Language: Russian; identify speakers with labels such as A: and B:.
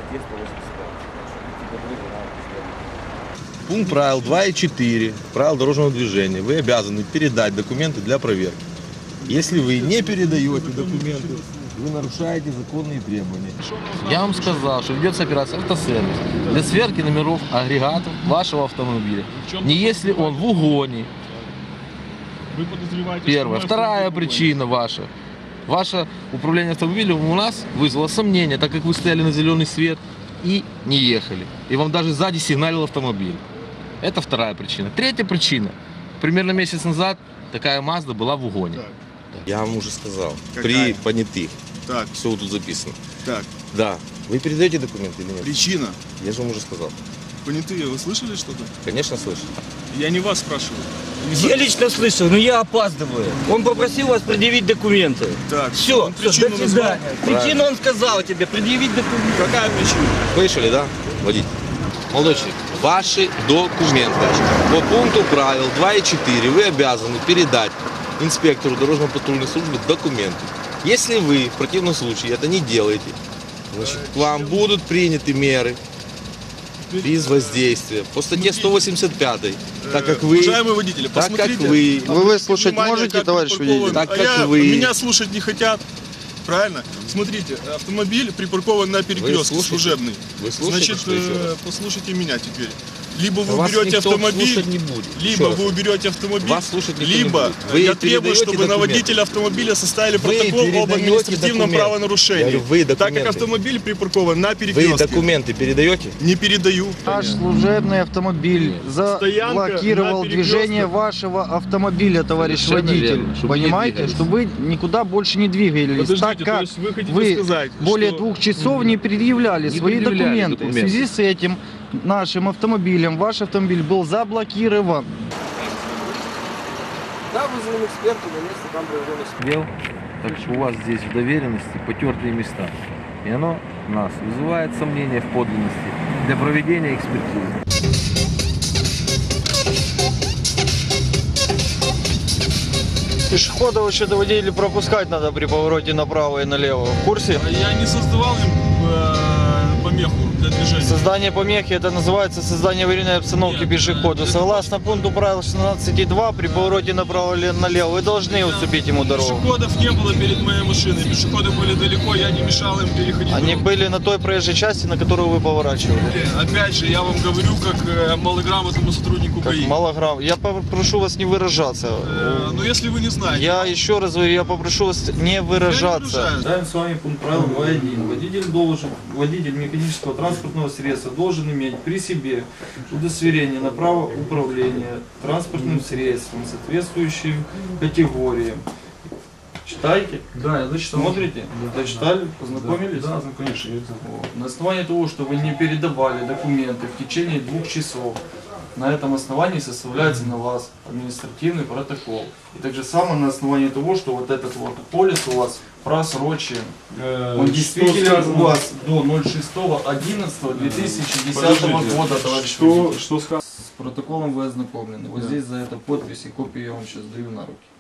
A: статье 185.
B: Пункт правил 2.4 правил дорожного движения. Вы обязаны передать документы для проверки. Если вы не передаете документы, вы нарушаете законные требования. Я вам сказал, что ведется операция «Автосервис» для сверки номеров агрегатов вашего автомобиля. Не если он в угоне.
C: Вы подозреваете,
B: Первое. Вторая причина ваша. Ваше управление автомобилем у нас вызвало сомнения, так как вы стояли на зеленый свет и не ехали. И вам даже сзади сигналил автомобиль. Это вторая причина. Третья причина. Примерно месяц назад такая Mazda была в угоне.
C: Так.
B: Я вам уже сказал.
C: Какая?
B: При понятых.
C: Так,
B: Все тут записано.
C: так.
B: Да. Вы передаете документы или нет?
C: Причина.
B: Я же вам уже сказал.
C: Понятые, вы слышали что-то?
B: Конечно, слышу.
C: Я не вас спрашиваю.
D: Я лично слышал, но я опаздываю. Он попросил вас предъявить документы.
C: Так,
D: Все,
C: он причину
D: до
C: назвал?
D: свидания. Причину он сказал тебе, предъявить документы.
C: Какая причина?
B: Слышали, да? Водитель. Молодой человек, ваши документы. По пункту правил 2.4 вы обязаны передать инспектору дорожно-патрульной службы документы. Если вы в противном случае это не делаете, значит, к вам будут приняты меры без воздействия по статье 185, так как вы...
C: Уважаемые водители,
B: так как
C: посмотрите.
B: вы...
E: Вы выслушать
C: Внимание,
E: можете,
C: как
E: товарищ
C: припаркован.
E: водитель?
B: Так
C: А
B: как вы-
C: Меня слушать не хотят. Правильно? Смотрите, автомобиль припаркован на перекрестке
B: слушаете?
C: служебный.
B: Вы слушаете,
C: Значит,
B: что еще раз?
C: послушайте меня теперь. Либо вы
B: Вас
C: уберете
B: никто
C: автомобиль,
B: слушать не будет.
C: либо
B: Еще раз.
C: вы уберете автомобиль,
B: Вас слушать никто не
C: либо
B: будет. Вы
C: я требую,
B: передаете
C: чтобы на
B: документы.
C: водителя автомобиля составили
B: Вы
C: протокол об
B: передаете
C: административном
B: документы.
C: правонарушении.
B: Я говорю, вы
C: так как
B: документы.
C: автомобиль припаркован на
B: Вы
C: перекрестке.
B: документы передаете?
C: Не передаю.
E: Наш служебный автомобиль заблокировал
C: на
E: движение
C: перекресток.
E: вашего автомобиля, товарищ
B: Совершенно
E: водитель.
B: верно, чтобы не
E: Понимаете,
B: двигались.
E: чтобы вы никуда больше не двигались.
C: Подождите,
E: так
C: то
E: как
C: есть вы хотите
E: вы
C: сказать,
E: более
C: что-
E: 2 часов не предъявляли
B: Не
E: свои
B: предъявляли
E: документы.
B: документы.
E: В связи с этим нашим автомобилем, ваш автомобиль был заблокирован.
B: Да, вызван эксперт, на место там производный дел. Так что у вас здесь в доверенности потертые места. И оно нас вызывает сомнения в подлинности для проведения экспертизы.
E: Пешеходов вообще-то водителей пропускать надо при повороте направо и налево. В курсе?
C: Я не создавал им помеху для движения.
E: Создание помехи, это называется создание аварийной обстановки
C: Нет,
E: пешеходу.
C: это
E: Согласно пункту правил 16.2, при повороте направо или налево вы должны уступить ему дорогу.
C: Пешеходов не было перед моей машиной. Пешеходы были далеко, я не мешал им переходить
E: Они
C: дорогу.
E: были на той проезжей части, на которую вы поворачивали.
C: Опять же, я вам говорю, как малограмотному сотруднику
E: Как
C: ГАИ.
E: малограмм. Я попрошу вас не выражаться.
C: Но если вы не знаете.
E: Я еще раз говорю, я попрошу вас не выражаться.
C: выражаюсь.
E: Читаем с вами пункт правил 2.1. Водитель механического транспортного средства должен иметь при себе удостоверение на право управления транспортным средством, соответствующим категориям. Читайте?
F: Да, я зачитал.
E: Смотрите? Дочитали? Познакомились?
F: Да, конечно.
E: Вот. На основании того, что вы не передавали документы в течение 2 часов, на этом основании составляется на вас административный протокол. И так же самое на основании того, что вот этот вот полис у вас просрочен. Он действительно у вас до 06.11.2010 года, товарищ водитель.
F: Что сказано?
E: С протоколом вы ознакомлены. Вот здесь за это подпись и копию я вам сейчас даю на руки.